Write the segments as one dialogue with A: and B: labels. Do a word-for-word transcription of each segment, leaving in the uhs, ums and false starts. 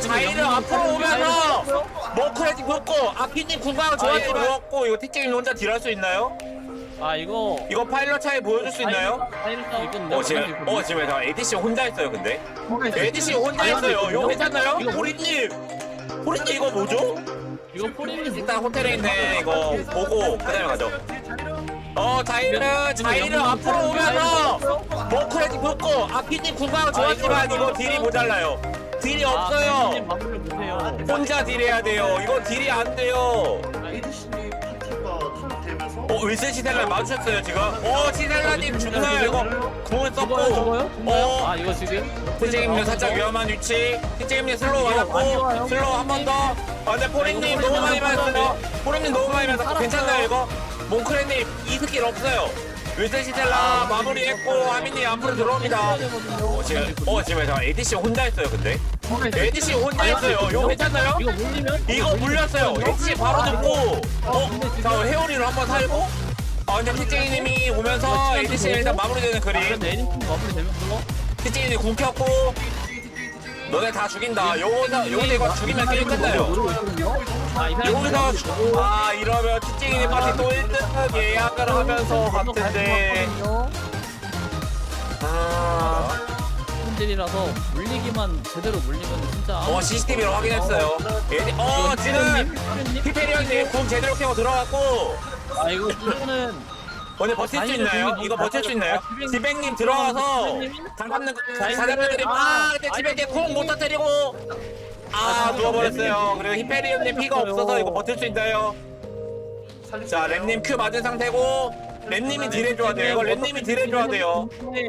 A: 자이를 앞으로 오면서 머크레지 먹고 아키님 궁광 좋았지 먹었고 이거 티제임 혼자 딜할 수 있나요?
B: 아 이거
A: 이거 파일럿 차이 보여줄 수 있나요?
B: 이건
A: 어 지금 어 지금 에디씨 혼자 있어요 근데 에디씨 혼자 있어요 이거 괜찮나요? 호리님 호리님 이거 뭐죠?
B: 이거 포리님
A: 일단 호텔에 있는 이거 보고 그 다음에 가죠 어 자이를 자이를 앞으로 오면서 머크레지 먹고 아키님 궁광 좋았지만 이거 딜이 모자라요 딜이 없어요
B: 마무리 못해요.
A: 혼자 딜해야 돼요 이거 딜이 안 돼요
C: 에이디씨님 파티가 탄되면서
A: 어 윌슨 시델라 마주쳤어요 지금 어 시델라님 죽나요 이거 궁을 썼고
B: 죽어요 죽어요?
A: 어
B: 아 이거 지금
A: 티제임님 살짝 위험한 위치 티제임님 슬로우 맞았고 슬로우 한 번더 아 근데 포린님 너무 많이 맞았어요 포린님 너무 많이 맞았고 괜찮나요 이거 몽크레님 이 스킬 없어요 윌슨 시델라 마무리했고 하민님 앞으로 들어옵니다 어 지금 어 지금 잠깐 에디씨 혼자 있어요 근데 에디씨 혼자 있어요 이거 괜찮나요?
B: 이거 물리면
A: 이거 물렸어요 에디씨 바로 듣고 어? 자 헤어리를 한번 살고 아 근데 티제이님이 오면서 에디씨 일단 마무리되는 그림
B: 근데 에디슨 마무리 되면 그거
A: 티제이님 궁 켰고 너네 다 죽인다 요거서 요거 이거 죽이면 게임 끝나요
B: 아이 사람
A: 여기서 죽- 아 이러면 티제이님 파티 또 일 등 예약을 하면서 같은데 아...
B: 딜이라서 물리기만 제대로 물리면 진짜
A: 어 씨씨티비로 확인했어요 에디... 어 지금 히페리언님 궁 제대로 켜고 들어갔고
B: 아 이거 이거는
A: 오늘 버틸 수 있나요? 이거 버틸 수 있나요? 지백님 들어가서 장 잡는 거 사장님들이 아 근데 지백님 궁못 터뜨리고 아 누워버렸어요 그리고 히페리언님 피가 없어서 이거 버틸 수 있나요? 자 랩님 큐 맞은 상태고 랩님이 딜해줘야 돼요 이거 랩님이 딜해줘야 돼요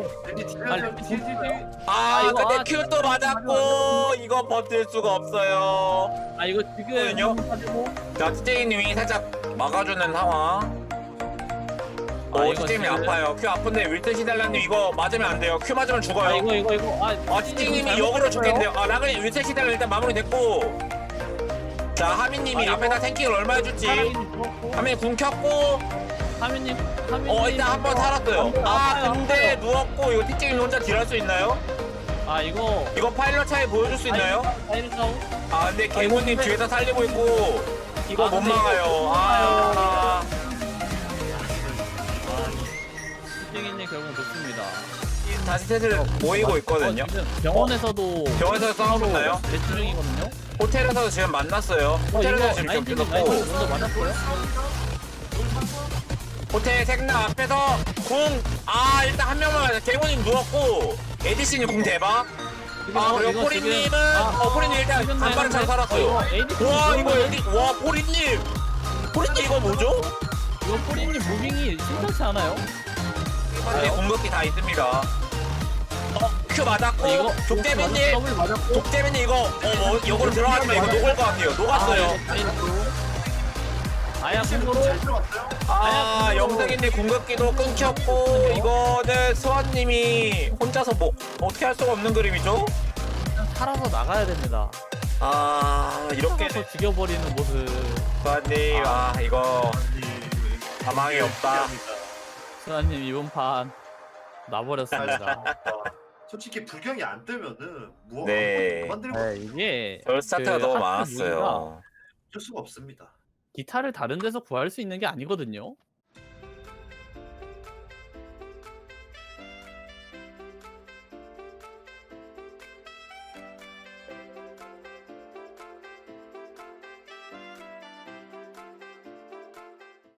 A: 아 근데 큐 또 맞았고 이거 버틸 수가 없어요
B: 아 이거
A: 거든요?
B: 지금
A: 자 티제이님이 살짝 막아주는 상황
B: 아,
A: 오
B: 이거
A: 티제이님이
B: 지금-
A: 아파요 큐 아픈데 윌튼 시달라님 이거 맞으면 안 돼요 큐 맞으면
B: 아
A: 죽어요
B: 이거 이거 이거 아
A: 아 티제이님이 역으로 죽겠는데요 아 라그님 윌튼 시달라 일단 마무리 됐고 자 하민님이
B: 아,
A: 앞에다 탱킹을 얼마 해줄지 하민이 궁 켰고
B: 하민님 하민님
A: 어 일단 한 번 살았어요 아 근데 누웠고 이거 티제이님 혼자 딜할 수 있나요?
B: 아 이거
A: 이거 파일럿 차이 보여줄 수 있나요?
B: 파이를 싸우
A: 아 근데 개모님 뒤에서 살리고 있고 이거
B: 아,
A: 못
B: 근데
A: 막아요 아
B: 시쟁이님 결국 좋습니다.
A: 다시 셋을 모이고 있거든요
B: 어, 지금 병원에서도
A: 병원에서 싸우나요?
B: 대치 중이거든요.
A: 호텔에서 지금 만났어요
B: 어,
A: 호텔에서
B: 이거
A: 지금
B: 라인팀
A: 겹쳐졌고
B: 라인팀 먼저 맞았어요?
A: 호텔 색나 앞에서 궁 아 일단 한 명만 맞아 개모님 누웠고 에디씨님 궁 대박 아 그리고
B: 이거
A: 포리님은
B: 지금- 아,
A: 어 포리님 일단
B: 지금
A: 간발을 잘
B: 나이스.
A: 살았어요
B: 어, 이거 에디씨
A: 와 이거
B: 지금
A: 에디 와 포리님 포리님 이거 뭐죠?
B: 이거 포리님 무빙이 심상치 않아요?
A: 파티 궁극기 다 있습니다 어 큐 맞았고
B: 이거
A: 독대빈님
B: 더블 맞았고
A: 독대빈님 이거 어뭐 이거로 들어가지면 이거 녹을 것 같아요 녹았어요
B: 아야 궁으로
C: 잘 들어갔어요?
A: 아 영등이님 궁극기도 끊겼고 이거는 수아님이 혼자서 뭐 어떻게 할 수가 없는 그림이죠?
B: 살아서 나가야 됩니다.
A: 아 이렇게
B: 살아서 죽여버리는 모습.
A: 수아님 아 이거 가망이 없다
B: 수아님 이번 판 나버렸습니다.
C: 솔직히 불경이 안 뜨면은 뭐
A: 네.
C: 만들고
B: 네, 이게
A: 별 스타트가
B: 그
A: 너무
B: 하트
A: 많았어요
C: 어쩔 수가 없습니다.
B: 기타를 다른 데서 구할 수 있는 게 아니거든요.